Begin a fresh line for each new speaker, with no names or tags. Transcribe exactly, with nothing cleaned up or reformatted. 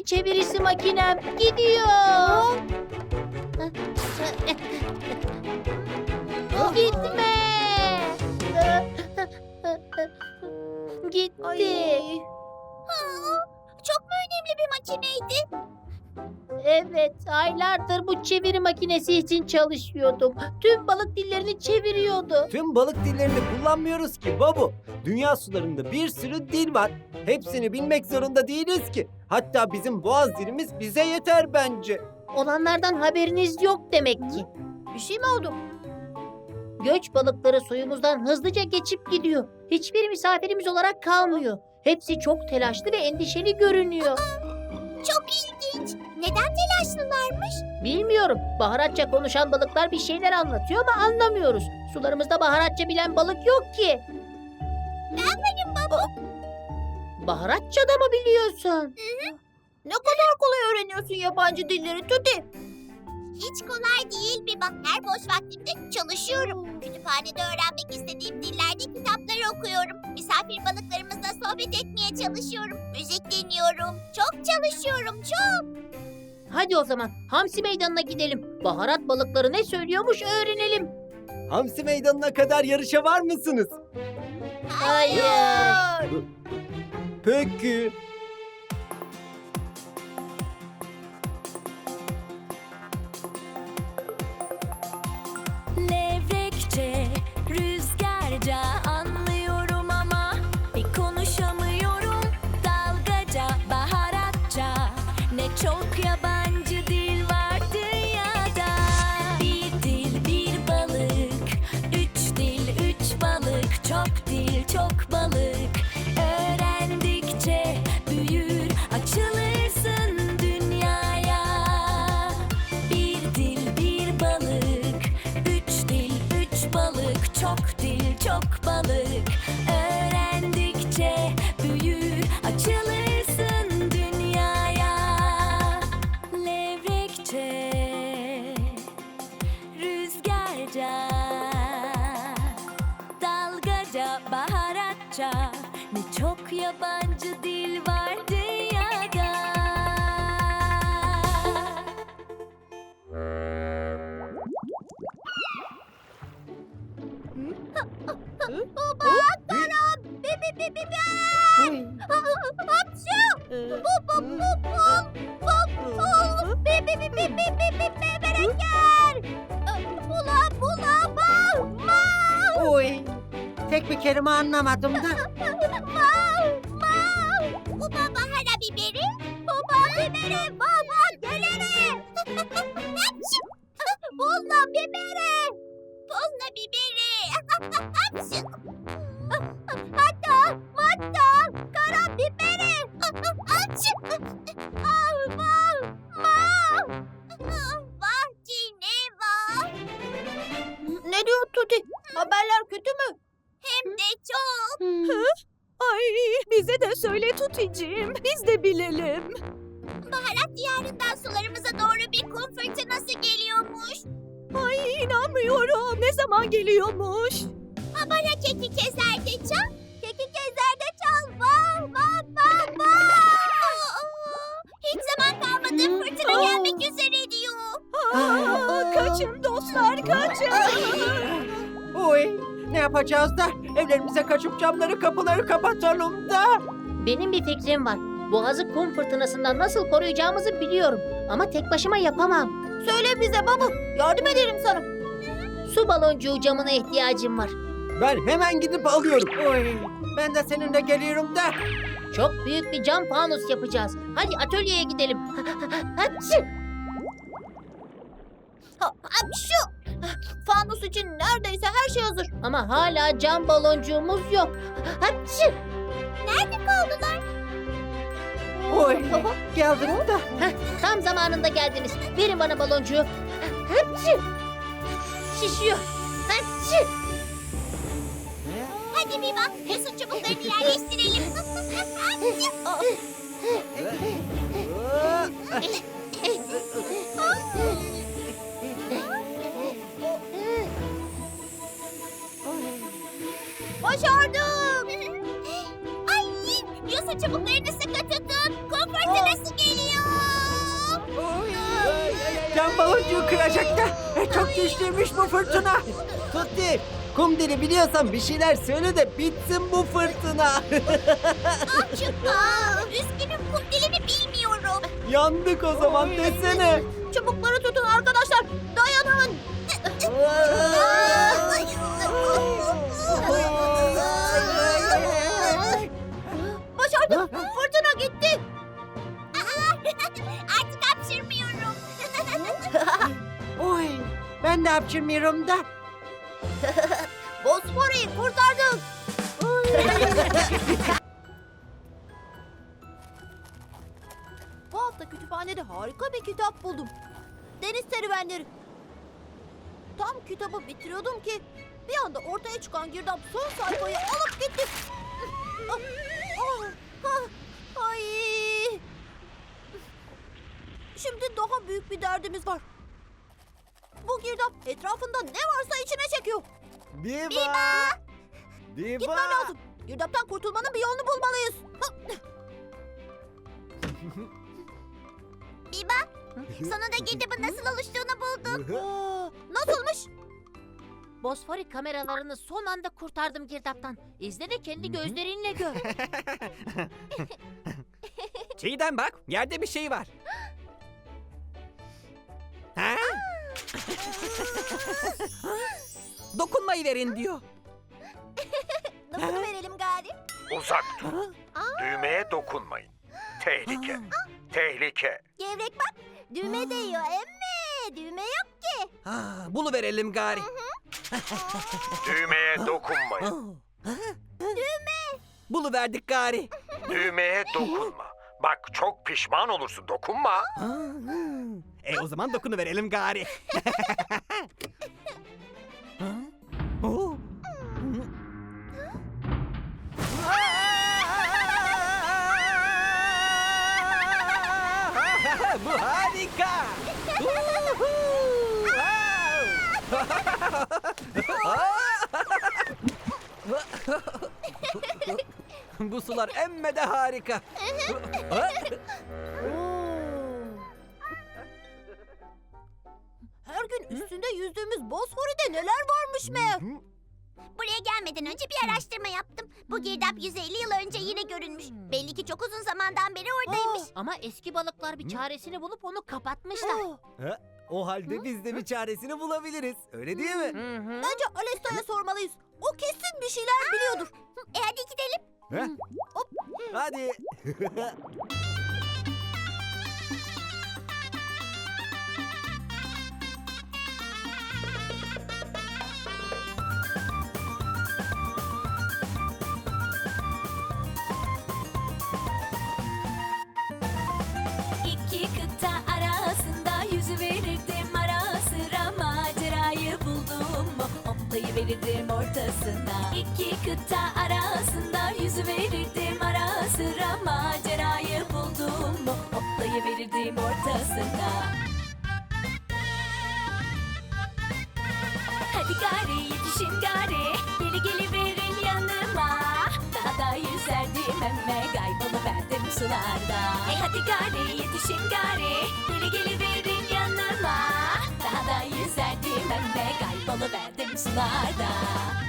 çevirisi makinem gidiyor. Gitme. Gitti.
Ay. Çok mu önemli bir makineydi?
Evet, aylardır bu çeviri makinesi için çalışıyordum. Tüm balık dillerini çeviriyordu.
Tüm balık dillerini kullanmıyoruz ki babu. Dünya sularında bir sürü dil var. Hepsini bilmek zorunda değiliz ki. Hatta bizim boğaz dilimiz bize yeter bence.
Olanlardan haberiniz yok demek ki.
Bir şey mi oldu?
Göç balıkları suyumuzdan hızlıca geçip gidiyor. Hiçbir misafirimiz olarak kalmıyor. Hepsi çok telaşlı ve endişeli görünüyor.
Çok ilginç. Neden telaşlılarmış?
Bilmiyorum. Baharatça konuşan balıklar bir şeyler anlatıyor ama anlamıyoruz. Sularımızda baharatça bilen balık yok ki.
Ben benim baba.
Baharatça da mı biliyorsun?
Ne kadar kolay öğreniyorsun yabancı dilleri Tuti. Hiç kolay değil Biba. Her boş vaktimde çalışıyorum. Kütüphanede öğrenmek istediğim dillerde kitapları okuyorum. Misafir balıklarımızla sohbet etmeye çalışıyorum. Müzik dinliyorum. Çok çalışıyorum, çok.
Hadi o zaman Hamsi Meydanı'na gidelim. Baharat balıkları ne söylüyormuş öğrenelim.
Hamsi meydanına kadar yarışa var mısınız?
Hayır.
Peki.
Levrekçe, rüzgarca anlıyorum ama bir konuşamıyorum. Dalgaca, baharatça, ne çok yabancı dil var dünyada. Bir dil, bir balık, üç dil, üç balık, çok dil, çok balık. Öğrendikçe büyür, açılırsın dünyaya. Bir dil, bir balık, üç dil, üç balık, çok dil, çok balık. Öğrendikçe büyür, açılırsın dünyaya. Levrekçe, rüzgarca, dalgaca, baharatça, ne çok yabancı dil var dünyada.
Baba, Karam, bibi bibi bibi. Hapşu. Bu bu bu bu. Bu bu. Bibi bibi bibi bibi beberekler. Bula bula ba. Ma.
Oy, tek bir kelime anlamadım da.
Ma. Ma. Bu baba hala biberi. Baba biberi. Baba gelere. Hapşu. Bula biberi. Bula biberi. Hapşu. Hatta, hatta, kara biberi. Hapşu. Ah, ma, ma. Vah Cineva.
Ne diyor Tuti? Haberler kötü mü?
Hem de çok.
Ay bize de söyle Tuti'ciğim. Biz de bilelim.
Baharat diyarından sularımıza doğru bir kum fırtınası geliyormuş.
Ay inanmıyorum. Ne zaman geliyormuş?
Habara keki kezerde çal. Keki kezerde çal. Vah vah vah vah. Hiç zaman kalmadı. Fırtına gelmek üzere diyor.
Aa, kaçın dostlar kaçın.
Oy, ne yapacağız da? Evlerimize kaçıp camları kapıları kapatalım da.
Benim bir fikrim var. Boğazı kum fırtınasından nasıl koruyacağımızı biliyorum. Ama tek başıma yapamam.
Söyle bize baba. Yardım ederim sana.
Su baloncuğu camına ihtiyacım var.
Ben hemen gidip alıyorum.
Oy, ben de seninle geliyorum da.
Çok büyük bir cam fanus yapacağız. Hadi atölyeye gidelim. Hadi.
Ha, şu. Fanus için neredeyse her şey hazır.
Ama hala cam baloncuğumuz yok. Hadi.
Nerede kaldılar?
Oy, geldik da.
Heh, tam zamanında geldiniz. Verin bana baloncuğu. Hadi. Şişiyor. Hadi.
Hadi bir bak. Yosun çubuklarını yerleştirelim.
Başardım.
Ay, yosun çubuklarını sıkı tutun. Kum fırtınası geliyor.
Cam baloncuğu kıracak da. E, çok güçlüymüş bu fırtına.
Tutti, kum dili biliyorsan bir şeyler söyle de bitsin bu fırtına.
Aa, üzgünüm kum dilini bilmiyorum.
Yandık o zaman desene.
Çubukları tutun arkadaşlar. Dayanın. Başardım. Fırtına gitti. Artık hapşırmıyorum.
Oy, ben de hapşırmıyorum da.
Bosfor'u kurtardık. Bu hafta kütüphanede harika bir kitap buldum. Deniz serüvenleri. Tam kitabı bitiriyordum ki bir anda ortaya çıkan girdap son sayfayı alıp gitti. Ah, ah, ah, Ay. Şimdi daha büyük bir derdimiz var. Bu girdap etrafında ne varsa içine çekiyor.
Biba. Biba.
Gitmen lazım. Girdaptan kurtulmanın bir yolunu bulmalıyız. Biba, sonunda girdabın nasıl oluştuğunu bulduk. Aa, nasılmış?
Bosfori kameralarını son anda kurtardım girdaptan. İzle de kendi gözlerinle gör.
Çiğdem bak, yerde bir şey var. Ha? Dokunmayı verin diyor.
Nasıl verelim gari?
Uzak durun. Düğmeye dokunmayın. Tehlike. Tehlike.
Gevrek bak, düğme değiyor emme. Düğme yok ki.
Ha, bunu verelim gari.
Düğmeye dokunmayın.
Bunu verdik gari.
Düğmeye dokunma. Bak çok pişman olursun. Dokunma.
E o zaman dokunu verelim gari. Ha? Oo. Bu harika. Uhu! Bu sular emme de harika.
Her gün üstünde yüzdüğümüz Bosfor'da neler varmış meğer. Buraya gelmeden önce bir araştırma yaptım. Bu girdap yüz elli yıl önce yine görünmüş. Belli ki çok uzun zamandan beri oradaymış.
Ama eski balıklar bir çaresini bulup onu kapatmışlar.
Ha, o halde biz de bir çaresini bulabiliriz. Öyle değil mi?
Bence Alesta'ya sormalıyız. O kesin bir şeyler biliyordur. E hadi gidelim.
Ha? Hadi.
İki kıta arasında yüzüverirdim ara sıra macerayı buldum mu hoplayıverirdim ortasına. İki kıta arasında yüzüverirdim ara sıra macerayı buldum mu hoplayıverirdim ortasına. Hadi gari yetişin gari geli geliverin yanıma. Daha da yüzerdim emme kayboluverdim sularda. E hadi gari yetişin gari geli geliverin yanıma. Daha da yüzerdim emme kayboluverdim sularda.